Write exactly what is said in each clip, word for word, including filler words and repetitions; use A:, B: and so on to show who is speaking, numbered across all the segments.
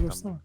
A: görsene.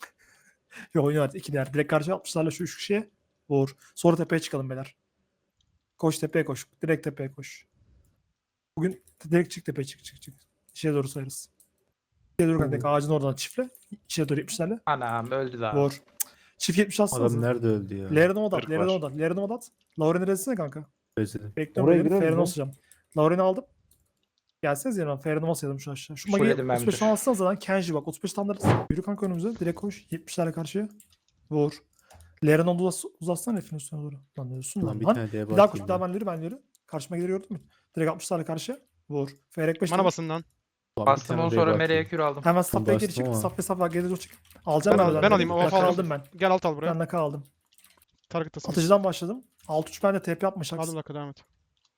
A: Yok oynuyor artık iki değer. Direkt karşı altmışlarla şu üç kişiye vur. Sonra tepeye çıkalım beyler. Koş tepeye koş. Direkt tepeye koş. Bugün direkt çık tepeye çık çık çık. İçeri doğru sayarız. İçeri doğru kanka ağacın oradan çiftle. İçeri doğru yetmişlerle.
B: Anam öldü daha.
A: Vur. Çift yetmiş atsanız.
C: Adam nerede öldü ya?
A: Lerine odat.
B: Kırk
A: Lerine
B: var.
A: odat. Lerine odat. Lauren'i resine kanka.
C: Özledim.
A: Bekliyorum
D: Oraya
A: Lauren'i.
D: gireriz
A: Ferine
D: ya.
A: olacağım. Lauren'i aldım. Gelseniz yanıma. Ferine olsaydım şu aşağı. Şu magiyi
B: Şöyle ben
A: otuz beş
B: bir-
A: tane alsanız zaten Kenji bak. otuz beş tane alırız. Yürü kanka önümüze. Direkt koş. yetmişlerle karşıya. Vur. Leren oldu uzas uzatsana herifin üstüne doğru. Lan ölsün
C: Lan
A: lan.
C: bir
A: lan.
C: tane diye
A: Bir daha koş.
C: bakayım
A: Bir daha
C: ben.
A: ben yürü ben yürü. Karşıma gelir gördün mü? Direkt altmışlarla karşıya. Vur. Feyrek beş.
E: Bana basın lan.
C: Ulan bir
B: Bastım
C: tane
B: onu
C: diye
B: sonra
C: bakayım.
B: Meleğe kür aldım.
A: Hemen safhaya geri
C: bastım
A: çık.
C: ama.
A: Safhaya safhaya geri doğru çık. Alacağım
E: Ben
A: ben.
E: al- ben alayım, o
A: Nakal
E: falan.
A: aldım ben.
E: Gel alt al buraya.
A: Ben nakal aldım.
E: Target'tasın.
A: Atıcıdan başladım. altı üç ben de T P yapmış.
E: Aldım dakika devam et.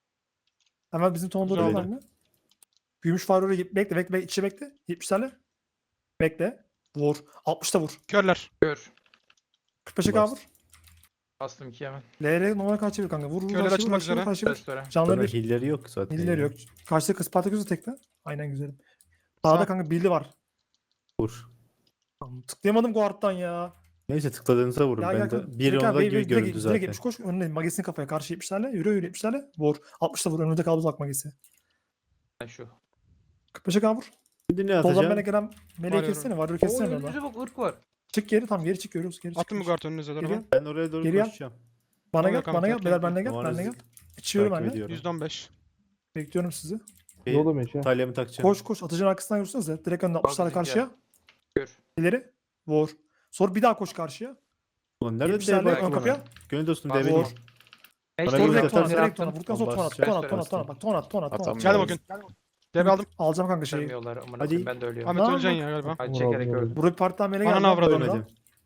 A: Hemen bizim tonda
E: Güzel
A: doğru
C: oldu.
A: benimle. Gümüş Farur'u bekle bekle bekle. İçi bekle. yetmişlerle. Bekle. Vur. altmışta vur.
E: Körler.
B: Kür.
A: kırk beşe kavur.
B: Bastım iki hemen.
A: L R numara kaç bir kanka. Vur vur.
E: Köyler
A: karşı vur,
E: açılmak
A: karşı vur,
E: üzere.
A: karşı vur.
B: Restore.
A: Canları
C: Sonra
A: bir.
C: hilleri yok zaten.
A: Hilleri
C: ya.
A: yok. Karşıda kız Spartaküs'ü tekle. Aynen güzelim. Sağda
E: Sağ.
A: kanka Billy var.
C: Vur.
A: Tamam, tıklayamadım guard'dan ya.
C: Neyse tıkladığınıza vurun.
A: Ya
C: ben
A: gel
C: de
A: kanka.
C: bir
A: Direkt
C: onda
A: abi,
C: gibi
A: direkt-
C: göründü
A: direkt
C: zaten.
A: yetmiş koş. Önüne magesin kafaya karşı yetmişlerle. Yürü yürü yetmişlerle. Vur. altmışta vur. Önünde kaldı uzak magesi.
B: Ben şu.
A: kırk beşe kavur.
C: Şimdi ne
A: Soldan
C: atacağım?
A: bana gelen meleği
E: Var
A: kessene. Var
B: Oo
A: kessene
B: önümüzde
A: orada.
B: bak ırk var.
A: Çık geri tam geri çık görüyoruz. Geri çık.
E: Attım mı
A: geri çık.
E: guard önünüze doğru
A: Geliyor.
E: lan.
C: Ben oraya doğru
A: Geri yap.
C: koşacağım.
A: Bana
E: Tamam,
A: gel.
E: tamam,
A: Bana gel.
E: bekle,
A: Beyler
E: bekle.
A: benle gel.
C: Numaranızı
A: Benle gel. İçiyorum
C: takip
A: benle.
C: ediyorum.
E: yüzde on beş.
A: Bekliyorum sizi.
C: Bir
D: Dolu meşe.
C: talyamı takacağım.
A: Koş koş. Atıcının arkasından yürüsünüz de. Direkt önüne altmışlarla
B: bizimki
A: karşıya.
B: Kür.
A: İleri. Vur. Sonra bir daha koş karşıya.
C: Ulan nerede
A: yetmişlerle
C: diye
A: ön
C: bakayım
A: kapıya.
C: ona. Gönül dostum
B: Bak,
C: develi.
A: Vur.
B: Mecbur
C: Bana
A: Sonra
C: göz
A: direkt tona.
C: atarsan
A: Direkt tona. Vurduktan sonra tona.
C: bastıracağım.
A: Tona tona tona. Bak tona tona tona.
F: Atamıyorum.
E: Geldim o gün. Devi aldım.
A: Alacağım kanka şeyi.
B: Vermiyorlar. Amına
C: Hadi.
B: koyayım ben de ölüyorum.
E: Ahmet
A: Ne
E: öleceksin
A: yapmak?
E: ya galiba.
B: Ay çekerek
D: Vur, vur,
B: öldüm.
A: Buraya bir partiden mele geldi.
E: Ananı avradım.
C: Ölmedim.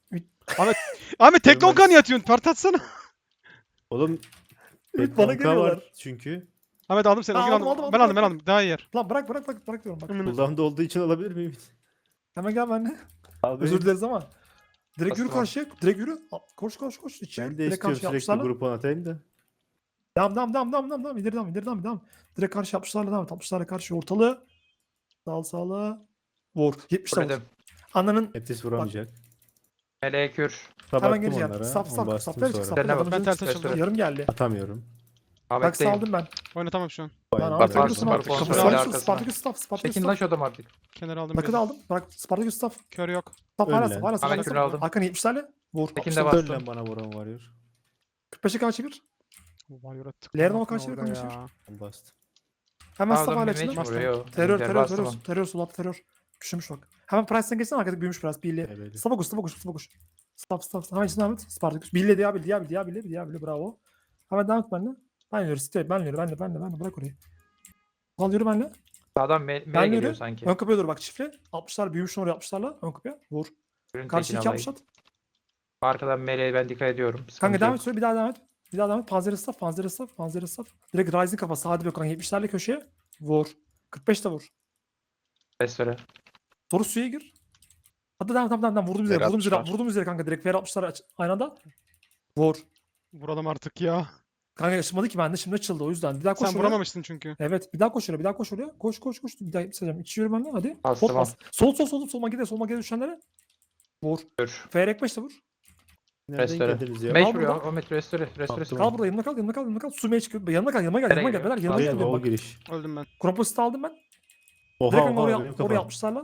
E: Ahmet tek
C: Görmez.
E: lonkan yatıyorsun. Part atsana.
C: Oğlum
A: Ümit bana
C: Betonka var
A: geliyorlar.
C: çünkü.
E: Ahmet aldım seni.
A: Ha,
E: O gün
A: aldım,
E: aldım.
A: aldım,
E: Ben
A: aldım,
E: aldım ben aldım. Daha iyi yer.
A: Lan bırak bırak bırak bırak diyorum bak.
C: Cooldown'da olduğu için alabilir miyim?
A: Hemen gel benimle.
C: Abi
A: Özür dileriz ama. Direkt yürü
B: Bastım abi.
A: karşıya. Direkt yürü. Al, Koş koş koş. İçeri.
C: ben de
A: Direkt
C: istiyorum
A: karşıya
C: sürekli
A: altmışlarla.
C: grup on atayım da.
A: Devam devam devam devam devam. devam. İleri devam ileri devam devam. Direkt karşı altmışlarla devam et. altmışlarla karşı ortalığı. Sağ sağla. Vur. yetmişte vur.
B: Fulledim.
A: Ananın.
C: Etis vuramayacak.
B: Meleğe kür.
A: Hemen
C: Sabattım
A: geri
C: onlara.
A: yap. Saf
C: onu
A: saf.
C: bastım
A: Saflara çık.
C: sonra.
A: Saflara
B: Sen ne
A: bak.
E: Ben ters
B: Restore.
E: açıldım.
A: Yarım geldi.
C: Atamıyorum.
A: Bak
B: Ahmet'teyim.
A: saldım ben.
E: Oynatamam şu an.
A: Ben
C: Vay
A: aldım.
C: be.
A: Spartaküs'ün
B: Var,
A: altı.
B: var,
A: Kapı
B: var,
A: Spartaküs
B: arkasına.
A: Spartaküs staff. Spartaküs
B: Çekin lan
A: staff.
B: şu adam artık.
E: Kenara aldım.
A: Nakıt
E: biraz.
A: aldım. Bırak Spartaküs staff.
E: Kör yok.
A: Staff
C: Öl
A: hala
C: lan.
A: staff hala
B: Ahmet
A: staff.
B: kürü aldım.
A: Hakan yetmişlerle. Vur.
B: Tekin de
A: altmışlarla.
B: bastım.
C: Öl lan bana vuran varıyor.
A: kırk beşe karşı bir.
E: Varyor attık.
A: Lerden o karşıya
E: Orada
A: konuşuyor.
E: ya.
C: Ben bastım.
A: Hemen staff
B: Pardon
A: hala
B: bir
A: içinde.
B: mage vuruyor.
A: Terör,
B: Gel,
A: terör,
B: bastım
A: terör,
B: onu.
A: terör, sol alt terör. Küçülmüş bak. Hemen Price'den geçsene arkadaki büyümüş biraz. Billy.
C: Evet.
A: Staff'a koş, staff'a koş, staff'a koş. Staff, staff. Hemen içinden devam et. Spartacus. Billy, Diabil, Diabil, Diabil, Diabil, bravo. Hemen devam et benimle. Ben yürü, site, ben yürü, ben de, ben de, ben de, bırak orayı. Al yürü benimle.
B: Sağdan me
A: Ben
B: mele
A: yürü.
B: geliyor sanki.
A: Ön kapıya doğru bak çiftle. altmışlar büyümüş oraya altmışlarla. Ön kapıya. Vur.
B: Ürün
A: Karşı
B: tekini
A: iki
B: alayım.
A: altmış at.
B: Arkadan meleğe ben dikkat ediyorum. Sıkıntı
A: Kanka devam
B: yok.
A: et, söyle bir daha devam et. Bir daha devam et. Panzeri staff, panzeri staff, panzeri staff. Direkt Rising kafası. Hadi be kanka yetmişlerle köşeye. Vur. kırk beşte vur.
B: Restore.
A: Soru suya gir. Hadi devam devam devam devam. Vurdum üzere,
F: Ver
A: vurdum üzere,
F: altmışlar.
A: vurdum üzere kanka. Direkt ver altmışlar aç- aynı anda. Vur.
E: Vuralım artık ya.
A: Kanka yaşamadı ki bende şimdi açıldı o yüzden. Bir daha koş
E: Sen
A: oraya.
E: vuramamıştın çünkü.
A: Evet bir daha koş oraya, bir daha koş oraya. Koş koş koş. Bir daha yapacağım. İçi yürü benimle hadi.
B: Bastım
A: Hop bas. Sol sol sol sol magide sol magide düşenlere. Vur.
B: Kür.
A: Feyrek beş de vur.
C: Nereden
B: Restore.
C: geldiniz ya?
B: Mage
A: Al
B: vuruyor.
A: burada.
B: Ahmet restore. Restore.
C: Attım.
A: Kal burada yanımda kal yanımda kal yanımda kal. Sumaya çıkıyor. Yanıma kal yanıma gel
B: Nereye
A: yanıma gel.
B: geliyor?
A: Beyler yanıma
C: Hayır,
A: gel.
C: o
A: Bak.
C: giriş.
E: Öldüm ben.
A: Kroposit'i aldım ben.
C: Oha
A: Direkt
C: oha
A: oraya,
C: benim
A: oraya
C: kafam.
A: yapmışlarla.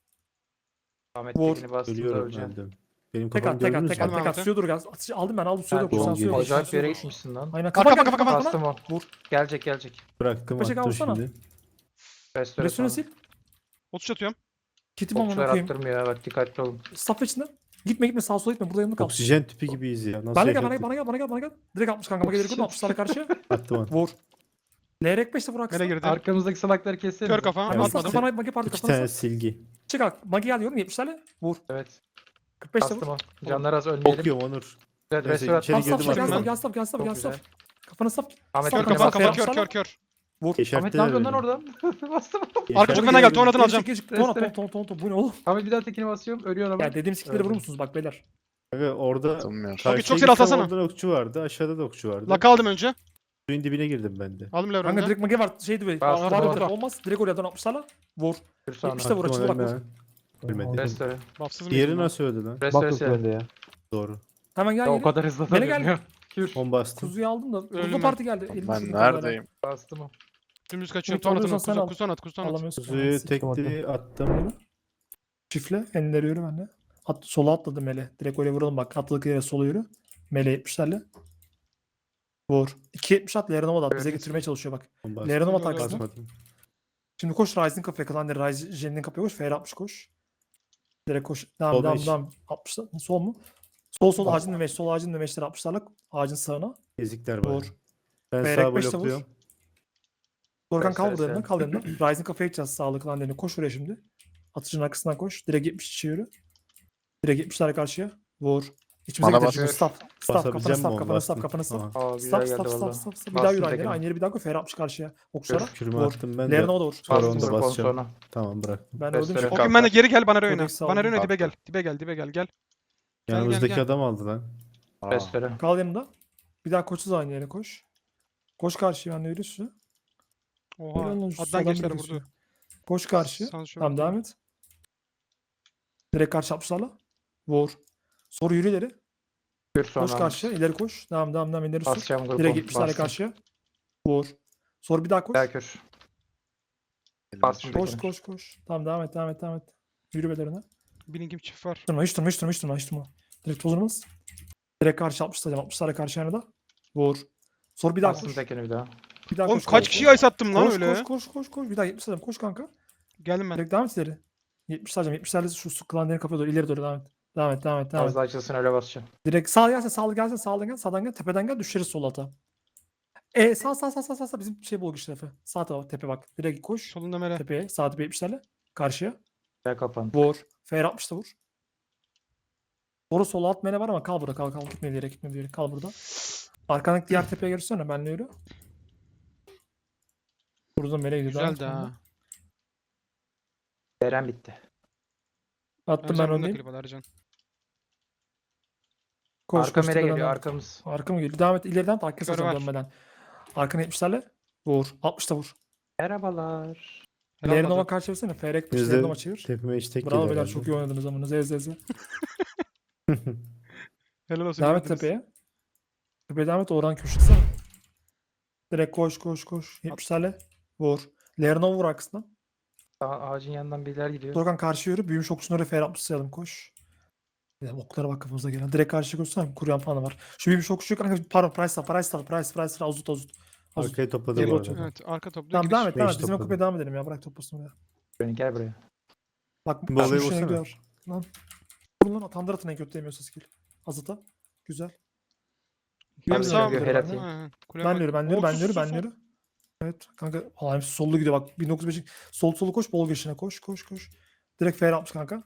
B: Ahmet
A: Vur.
B: tekini bastım da
C: Ölüyorum
B: öleceğim.
C: öldüm. Benim
A: Tek
C: kafamı
A: at tek at
C: gördünüz
A: tek
C: mü?
A: at tek at.
E: Ahmet'e.
A: Suya dur gel. Atış aldım ben aldım suya
B: Sen
A: dur. Koş sen
C: doğru
A: suya dur.
B: acayip bir yere
A: Suya dur.
B: gitmişsin lan.
A: Aynen.
E: Kafa,
A: Kafa
E: kafa,
A: kafa
E: kafa,
A: kafa.
B: Bastım o.
A: Vur.
B: Gelecek gelecek.
C: Bıraktım
A: Beşe
C: attım
A: kalsana.
C: şimdi.
B: Restore.
A: Resüne
B: sonra.
A: sil.
E: otuz atıyorum.
A: Kitim amına
B: Okçular
A: koyayım.
B: attırmıyor ya bak dikkatli olun.
A: Staff içinde. Gitme gitme sağa sola gitme. Burada yanımda kal.
C: Oksijen tüpü gibiyiz ya. Nasıl
A: Bana gel bana gel
C: yaşadık?
A: bana gel bana gel bana gel. Direkt altmış kanka. Bana gelir kurdum altmışlara karşı.
C: Attım onu.
A: Vur. Lerek beşte vur
E: Nereye
A: aksana.
E: girdi?
B: Arkamızdaki salakları keselim.
E: Kör kafa.
A: Hemen
C: Evet.
A: sağ
E: Atmadım.
A: kafana magi parti
C: İki
A: kafana
C: tane
A: sağ.
C: silgi.
A: Çık al. Magi alıyorum yetmişlerle. Vur.
B: Evet.
A: kırk beşte
B: Bastım
A: vur.
B: o. Canlar az ölmeyelim.
C: Okuyorum Onur.
B: Evet
C: Neyse,
B: restore
C: içeri
A: Al
B: attım.
A: staff
C: girdim
A: gel
C: arkadan.
A: staff gel staff gel staff
B: Çok
A: gel
B: güzel.
A: staff. Kafana staff.
B: Ahmet
E: Kör
A: Staff
E: kafa
A: kafana
E: kafa
A: staff.
E: kör kör kör.
A: Vur.
B: Ahmet ne yapıyorsun lan oradan? Bastım.
E: Arka çok fena geldi. Tornadını
A: Geri
E: alacağım.
A: çık, geri çık. Tona ton ton ton ton. Bu ne oğlum?
B: Ahmet bir daha tekini basıyorum. Ölüyor ama.
A: Ya dediğim skill'leri vurur musunuz bak beyler?
C: Kanka orada
F: Atamıyorum.
C: karşıya
E: çok
C: gitsem
E: seri atlasana.
C: Orada okçu vardı. Aşağıda da okçu vardı.
E: Laka aldım önce.
C: Suyun dibine girdim ben de.
E: Aldım
A: Kanka
E: Levron'da.
A: direkt magi var şeydi böyle.
B: Bastım
A: Var
B: orada.
A: var olmaz. Direkt oraya dön altmışlarla. Vur.
B: Kür sağına.
A: İşte vur,
C: Attım
A: açıldı
C: onu
A: bak,
C: hemen. Ölmedi.
B: Restore.
E: Buffsız mı?
C: Diğeri nasıl öldü lan?
B: Restore
D: Bak yok
B: sil.
D: önde ya.
C: Doğru.
A: Hemen gel
B: Ya o
A: geri.
B: kadar hızlı
A: Beni gel.
B: atamıyorum. Kür.
C: on bastım.
A: Kuzuyu aldım da.
E: Ölme.
A: Kuzu parti geldi. Elini
F: Ben
A: şunu koydular.
F: neredeyim?
B: Bastım o.
E: Dümdüz kaçıyorum.
A: Ümit
E: Ton atın.
A: alıyorsan sen
E: Kuzu,
A: al.
E: kuzu at. Kuzu at.
A: Alamıyorsun.
C: Kuzuyu
A: Siktir.
C: tekli attım.
A: Çiftle. Enleri yürü bende. At, sola atladı Mele. Direkt öyle vuralım bak. Atladık yere sola yürü. Mele yetmişlerle. Vur. iki yetmiş at. Lerenova da at. Bize
B: Öyle
A: getirmeye çalışıyor bak.
C: on bastım.
A: Lerenova
E: Öyle, öyle.
A: taksın.
C: Basmadım.
A: Şimdi koş Ryzen kafaya kalan de Ryzen'in kafaya koş. F R altmış koş. Direkt koş. Devam
C: Sol
A: devam
C: beş.
A: devam. altmışlar. Sol mu? Sol sol ağacın demeç. Sol ağacın demeçleri altmışlarla. Ağacın sağına.
C: Ezikler var.
A: Vur.
C: Ben
A: Beyrek
C: sağ
A: beşte vur.
C: blokluyorum.
A: Dorkan kal
B: Beş,
A: burada
B: beş,
A: yanına.
B: beş.
A: Kal yanına. Ryzen kafaya gideceğiz. Sağlık lan derine. Koş oraya şimdi. Atıcının arkasından koş. Direkt yetmiş içi yürü. Direkt yetmişler karşıya. Vur. İçimize
F: Bana
A: getir.
F: bas.
A: Şimdi Staff. Staff. Kafanı
C: Basabileceğim mi
A: staff.
C: on
A: Kafanı staff.
C: bastım?
A: Kafanı staff.
C: Aha.
B: Aa güzel
A: Staff
B: geldi
A: staff staff
B: valla.
A: staff. staff. Bir daha yürü
B: Bastım
A: aynı yere.
B: tekini.
A: Aynı yere bir daha koy. F R altmış karşıya. Okçulara.
C: Kürümü
A: Vur.
C: attım ben de.
A: Lerine o da vur.
C: Sonra
B: Bastım
C: onu da
B: dur kon
C: basacağım.
B: sonra.
C: Tamam bıraktım.
A: Ben öldüm.
B: Restore.
A: şu-
E: O gün ben de geri gel bana oyna.
A: Kodeks
E: Bana
A: aldım.
E: oyna dibe gel.
F: Kalktım.
E: Dibe gel dibe gel gel. Gel,
C: Yanımızdaki
E: gel.
C: adam aldı lan.
F: Aa,
B: Restore.
A: Kal yanımda. Bir daha koşsuz aynı yere koş. Koş karşıya ben de yürü üstüne.
E: Oha.
A: Helal lan, şu
E: Addan
A: soldan
E: gençler
A: bir
E: vurdu.
A: kesiyor. Koş karşıya.
E: Sans şöyle
A: Tamam devam et. Direkt karşı yapmışlarla. Vur. Soru yürü ileri.
B: Kür sonra.
A: Koş karşıya. İleri koş. Devam devam devam ileri sür.
B: Basacağım grubu.
A: Direkt gitmişlerle
B: Bastım.
A: karşıya. Vur. Sonra bir daha koş.
B: Gel kür.
F: elimi
B: Bastım
F: düşürdüm.
A: Koş koş koş. Tamam devam et devam et devam et. Yürü belerine.
E: Bilingim çift var.
A: Durma hiç durma hiç durma hiç durma hiç durma. Direkt tozurmaz. Direkt karşı yapmışlar. Yapmışlarla karşı yana da. Vur. Sonra bir daha
B: Bastım
A: koş.
B: tekini bir daha.
A: Bir daha
E: Oğlum
A: koş.
E: kaç kişiye ice attım lan
A: koş,
E: öyle?
A: Koş koş koş koş. Bir daha yetmişler koş kanka.
E: Geldim ben.
A: Direkt devam et ileri. yetmişler hocam. yetmişlerle şu su klanların kapıya doğru ileri doğru devam et. Devam et devam et devam et.
B: Fazla açılsın öyle basacağım.
A: Direkt sağ gelse sağ gelse sağdan gel sağdan gel tepeden gel düşeriz sol ata. E sağ sağ sağ sağ sağ, sağ bizim şey bul güçlü Efe. Sağ tarafa tepe bak. Direkt koş.
E: Solunda mele.
A: Tepeye sağ tepe yetmişlerle. Karşıya.
B: Gel kapandı.
A: Vur. F altmış da vur. Doğru sola at mene var ama kal burada kal kal gitme bir yere gitme bir yere kal burada. Arkandaki diğer tepeye görürsene benle yürü. Burada mele gidiyor. devam et
E: Güzeldi
A: benimle.
E: ha.
B: Deren bitti.
A: Attım
E: Ercan
A: ben
E: bunu da
A: öndeyim.
E: klip al Ercan.
A: Koş
B: Arka
A: koş
B: mere
A: tepeden
B: geliyor
A: devam et.
B: arkamız.
A: Arka mı geliyor? Devam et ileriden takip
E: Yukarı
A: edeceğim
E: var.
A: dönmeden. Arkana yetmişlerle. Vur. altmışta vur.
B: Merhabalar.
E: Helal
A: Lernova
E: olsun.
A: karşı çevirsene. F R kırk
C: Bizde
A: Lernova çevir.
C: tepime hiç tek
A: Bravo
C: yedi
A: beyler
C: herhalde.
A: çok iyi oynadınız ama. Z Z Z.
E: Helal olsun.
A: Devam et
E: yürüdünüz.
A: tepeye. Tepeye devam et. Oradan köşesine. Direkt koş koş koş. yetmişlerle. Vur. Lernova vur arkasından.
B: Sağ ağacın yanından biriler gidiyor.
A: Dorkan karşı yürü. Büyümüş okçusunu oraya F R altmış sayalım. Koş. Ya, oklara bak kafamıza gelen. Direkt karşıya koşsana. Kuruyan falan da var. Şu büyümüş okçuyu kanka. Pardon. Price al. Price al. Price. Price al. Azut azut. Azut.
C: Arkaya topladı
A: Geri
C: bu
A: otur.
C: arada.
E: Evet arka toplu
A: Tamam
E: giriş.
A: devam et. Devam et.
C: Beş
A: Bizim
C: topladım.
A: kupaya devam edelim ya. Bırak toplasın oraya.
B: Beni gel buraya.
A: Bak
C: Bu
A: şu
C: olayı
A: işine
C: vursana.
A: gidiyor. Lan. Vurun lan atandır atın en kötü demiyorsa skill. Azıta. Güzel.
E: Benim
B: Ben
E: sağım.
B: de helal atayım.
E: Ha, kuleye
A: Ben
E: bak.
A: yürü, ben yürü,
E: Oo,
A: ben
E: sus,
A: yürü,
E: sus,
A: ben
E: sus.
A: yürü. Evet kanka. Aa, sollu gidiyor bak. bin dokuz yüz beş sol solu koş, bol geçine koş, koş, koş. Direkt F R altmış kanka.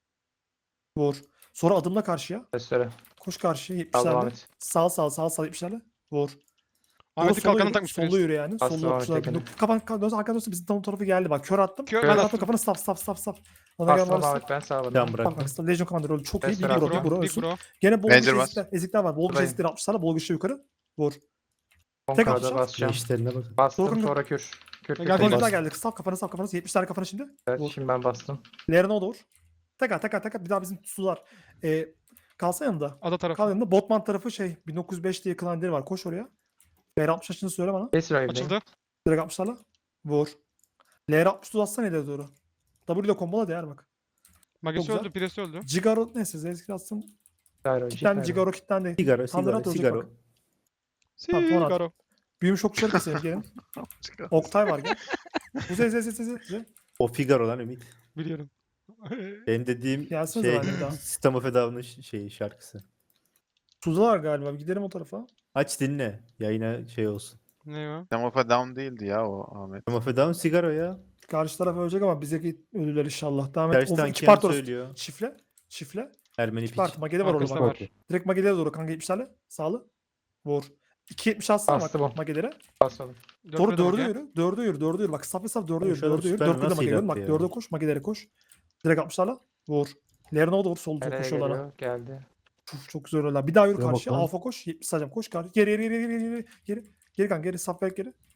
A: Vur. Sonra adımla karşıya.
B: Restore.
A: Koş karşıya
B: Al devam
A: yetmişlerle.
B: et.
A: Sağ sağ sağ sağ yetmişlerle. Vur.
E: Ahmet'in
A: Sonra
E: kalkanını
A: yürü,
E: takmış.
A: Sollu yürü yani.
B: Bastım
A: Sollu
B: Ahmet
A: okçular.
B: tekini.
A: Kapan kapan dön arkadan dönsün bizim tam tarafı geldi bak. Kör attım.
E: Kör-
A: Kör
E: ben
A: attım
E: attım.
A: kafanı stop stop stop stop. Ona
B: Bastım
A: gel varsa.
B: Ahmet ben sağ
C: Tamam
B: bana.
C: bırak.
A: Bak bak Legion Commander çok iyi. Big
B: Restore,
A: Bro,
E: Big
A: Big
E: bro.
A: Bro
E: Big
A: ölsün.
E: bro.
A: Gene bol
F: Ranger
A: güçlü
F: bas.
A: ezikler, ezikler var. Bol güçlü
B: Buradayım.
A: ezikler altmışlarla bol güçlü yukarı. Vur.
B: on
A: Tek
B: K'da
A: atacağım.
B: basacağım.
C: İşlerine bakın.
B: Bastım
A: Doruk'un-
B: sonra kür. Kür kür.
E: Geldi,
B: kür.
A: Bonuslar
C: bastım.
A: geldi. Saf kafanı saf kafanı. yetmişler kafanı şimdi.
B: Evet,
A: Vur.
B: şimdi ben bastım.
A: Lerine o da vur. Tekrar tekrar tekrar bir daha bizim sular. Ee, kalsa yanında.
E: Ada tarafı.
A: Kal yanında. Botman tarafı şey bin dokuz yüz beş diye kılan deri var. Koş oraya. L R altmış açını söyle bana.
B: Kes Rive'deyim.
E: Açıldı.
A: Direkt altmışlarla. Vur. L R altmış uzatsana ileri doğru. W ile kombola değer bak.
E: Magesi
A: güzel.
E: öldü. Piresi öldü.
A: Cigaro neyse Zezkir atsın.
B: Gyro,
A: Kitlendi
B: Gyro.
A: Cigaro kitlendi.
C: Sigara,
A: Tandır at
C: sigara,
A: olacak
C: sigara.
A: bak. Tamam, sonra at.
E: Sigaro.
A: Büyümüş okçuları keselim gelin. Oktay var gel. Bu Z Z Z Z Z.
C: O Figaro lan Ümit.
E: Biliyorum.
C: Benim dediğim
A: Gelsene
C: şey,
A: zaten bir daha.
C: System of a Down'ın ş- şeyi şarkısı.
A: Tuzla var galiba. Bir gidelim o tarafa.
C: Aç dinle. Yayına şey olsun.
E: Ne o?
F: Demopa down değildi ya o Ahmet.
C: System of a Down sigara ya.
A: Karşı taraf ölecek ama bize ölürler inşallah. Devam et.
C: Tersten
A: O, iki
C: kim
A: part orası.
C: söylüyor?
A: Çifle. Çifle.
C: Ermeni
A: İki
C: piç.
A: part. Magede var orada
E: Arkasında
A: bak.
E: var.
A: Direkt Magede'ye doğru kanka yetmişlerle. Sağlı. Vur. iki yetmiş atsana
B: Bastı
A: bak
B: bu.
A: Magede'lere.
B: Basmadım.
A: Doğru
E: Dörtlü de
A: dördü
E: Mage.
A: yürü. Dördü yürü. Dördü yürü. Bak saf saf dördü
C: Oğlum
A: yürü.
C: şu adam
A: Dördü yürü.
C: süper
A: Dördü de
C: nasıl
A: Magede'ye
C: yaptı
A: bak.
C: ya?
A: Dörde koş. Magede'lere koş. Direkt altmışlarla. Vur. Lerine o da vur. Sol sol
B: Nereye
A: koşuyorlar.
B: geliyor? Geldi.
A: Uf, çok güzel öyle. Bir daha yürü
C: Şuraya bak
A: karşıya.
C: lan.
A: Alfa koş. yetmiş sayacağım. Koş karşı. Geri geri geri geri geri. Geri. Geri kanka geri. Saf ver geri.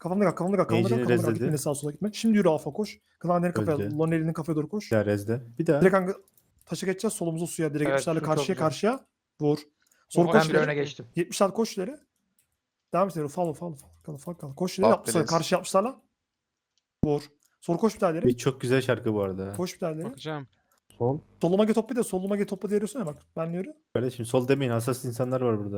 A: Kafamda kal, kafamda kal, kafamda kal,
C: Mage'ini
A: kafamda kal.
C: rezledi.
A: Gitme sağa sola gitme. Şimdi yürü alfa koş. Klanların kafaya,
C: Öldü.
A: Lonely'nin kafaya doğru koş.
C: Bir daha rezde. Bir daha.
A: Direkt kanka taşı geçeceğiz solumuza suya. Direkt
B: Evet,
A: yetmişlerle
B: su çok
A: karşıya
B: güzel.
A: karşıya. Vur. Sonra
E: Oha,
A: koş
B: Ben bir
A: ileri.
B: öne geçtim.
A: yetmişler koş ileri. Devam et ileri. Follow follow follow. Kal kal kal. Koş ileri.
F: Bak
A: Yapmışlar.
F: biraz.
A: Karşı yapmışlarla. Vur. Sonra koş bir daha ileri.
C: Bir çok güzel şarkı bu arada.
A: Koş bir daha ileri.
E: Bakacağım.
C: Sol.
A: Soluma get topla de soluma get topla diyorsun ya bak. Ben yürü.
C: Kardeşim sol demeyin. Hassas insanlar var burada.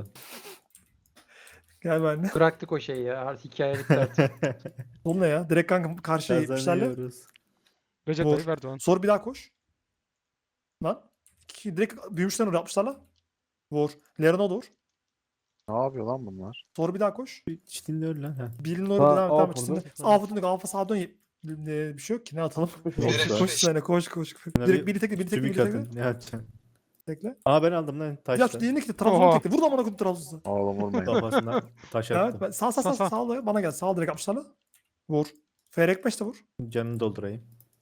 A: Gel benimle.
B: Bıraktık o şeyi ya. Artık hikaye bitti artık.
A: Sol ne ya? Direkt kanka karşıya yetmişlerle.
C: Kazanıyoruz.
E: Recep
A: Vur.
E: Tayyip Erdoğan.
A: Sonra bir daha koş. Lan. İki- Direkt büyümüşler oraya yapmışlarla. Vur. Lerona vur.
F: Ne yapıyor lan bunlar?
A: Sonra bir daha koş.
C: Hiç dinliyor lan. Ha.
A: Bilin orada
C: Sağ-
A: devam et.
C: A
A: Devam et.
C: vurdu.
A: Şimdi alfa döndük. Alfa sağa dön. Ne, bir şey yok ki. Ne atalım?
C: Oldu.
A: Koş sana koş koş.
C: Şuna
A: Direkt
C: bir
A: biri tekle biri tekle
C: Tümük
A: biri tekle.
C: atın. Ne atacaksın?
A: Tekle.
C: Aa ben aldım lan
A: Ya
C: taşla.
A: şu diğerini tekle. Trabzon'u
E: Oha.
A: tekle. Vur da bana koyayım Trabzon'u.
F: Oğlum vurmayın.
C: Kafasına taş
A: Evet.
C: attım.
A: Ben, sağ sağ sağ
E: Sağ,
A: sağ.
E: sağ.
A: Sağ bana gel. Sağ direkt yapmışlarla. Vur. Feyrek beş de vur.
C: Canını doldurayım.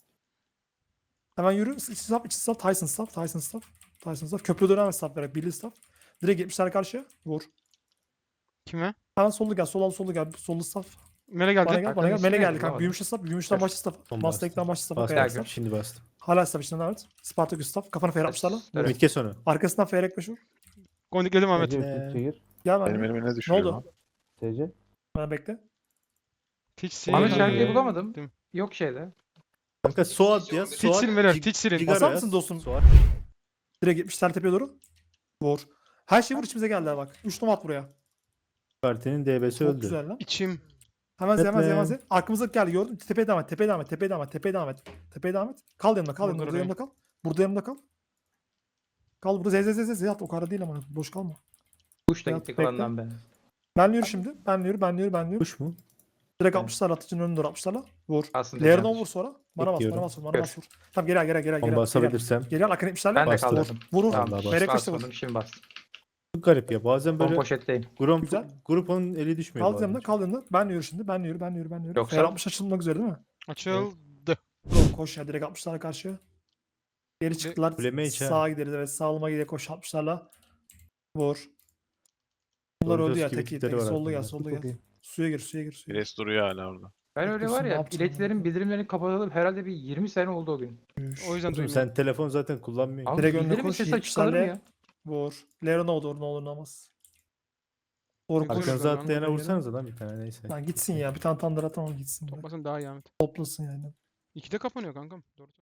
A: Hemen yürü. İç staff, iç staff. Tyson staff. Tyson staff. Tyson staff. Köprü dönem staff vererek. Billy staff. Direkt yetmişler karşıya. Vur.
E: Kime?
A: Hemen sollu gel. Sol al sollu gel. Sollu staff.
E: Mele geldi.
A: Bana gel. Bana
B: Arkanın
A: gel.
B: ismi
A: Mele
B: neydi
A: geldi kanka.
B: lan?
A: Büyümüş staff. Büyümüşten
B: Dur.
A: başlı staff.
C: Son
A: Mustang'den başlı staff'a
C: Bastım.
A: kayak
B: Bastım.
A: staff.
C: Şimdi bastım.
A: Hala staff içinden devam et. Spartacus staff. Kafana feyre yapmışlarla.
B: Evet.
C: Mitke sonu.
A: Arkasından feyrek beş vur.
E: Gondikledim Ahmet.
C: Ee,
A: Gel ben.
F: Benim elime ne
A: Ne
F: düşüyor
A: oldu?
F: lan?
C: T C.
A: Bana bekle.
E: Tiç
B: Ahmet
E: sil.
B: şarkıyı bulamadım.
E: Dim.
B: Yok şeyde.
C: Kanka Suat ya.
E: Tiç
C: Suat.
E: silin beyler.
C: Cig-
E: Tiç silin.
C: Cigara
A: Basar
C: yaz.
A: mısın dostum?
C: Suat.
A: Direkt yetmişler tepeye doğru. Vur. Her şey vur içimize geldi bak. üç numara at buraya.
C: Partinin D B'si
A: Çok
C: öldü.
A: güzel lan.
E: İçim.
A: Hemen
C: Etme.
A: hemen hemen hemen. Arkamıza geldi gördün. Tepeye devam et. Tepeye devam et. Tepeye devam et. Tepeye devam et. Tepeye devam et. Kal yanımda. Kal yanımda.
E: Burada
A: Burada yanımda kal. Burada yanımda kal. Kal burada. Zez zez zez zez at. O kadar değil ama. Boş kalma.
B: Kuş da
A: Ya,
B: gitti
A: bekle.
B: klandan be.
A: Ben yürü şimdi. Ben yürü. Ben yürü. Ben yürü.
C: Kuş mu?
A: Direkt
B: Evet.
A: altmışlar atıcının önüne doğru altmışlarla. Vur.
B: Aslında
A: Lerona
B: yanlış.
A: vur sonra. Bana bas.
C: Bekliyorum.
A: Bana bas. Bana
B: Gör.
A: bas. Vur. Tamam geri al geri al geri al.
C: On
A: Geri al. Geri al.
C: basabilirsem.
A: Geri al. Akın yetmişlerle.
B: Ben de
C: Bastım.
B: kaldırdım.
A: Vur. Vur.
B: Tamam.
C: Vallahi
A: Feyrek beş de vur.
B: Basmadım şimdi bastım.
C: Çok garip ya. Bazen
B: Son
C: böyle
B: poşetteyim.
C: grup,
A: Güzel.
C: grupun eli düşmüyor.
A: Kal
C: bazen.
A: yanımda. Kal yanımda. Ben yürü şimdi. Ben yürü. Ben yürü. Ben yürü.
B: Yoksa-
A: Fer altmış açılmak üzere değil mi?
E: Açıldı.
A: Bro, koş ya direkt altmışlarla karşıya. Geri çıktılar.
C: Kuleme iç ha.
A: Sağa gideriz evet. Sağlıma gidiyor koş altmışlarla. Vur. Bunlar
C: Dorcas
A: öldü ya
C: gibi
A: tek
C: tipleri
A: tek.
C: var
A: Sollu gel
C: aklımda.
A: sollu gel. Suya gir suya gir suya gir.
F: Pires duruyor hala orada.
B: Ben öyle
A: Haklısın,
B: var
A: ne
B: ya
A: yaptın
B: iletilerin
A: ya?
B: bildirimlerini kapatalım herhalde bir yirmi sene oldu o gün.
E: O yüzden
C: Oğlum
E: duymuyorum.
C: sen telefon zaten kullanmıyorsun.
B: Abi
A: Direkt önüne
B: bildirimin
A: koş,
B: sesi açık kalır mı
A: yetmişlerle.
B: ya?
A: Vur. Lerona olur ne olur ne olmaz. Doğru koş.
E: Arkanıza
C: Arkanıza
E: Koş.
C: atlayana
A: Koş.
C: vursanız lan bir tane neyse.
A: Lan gitsin ya bir tane tandır atamam gitsin. bırak.
E: Toplasın daha iyi Ahmet.
A: Toplasın yani.
E: İkide kapanıyor kankam. Doğru.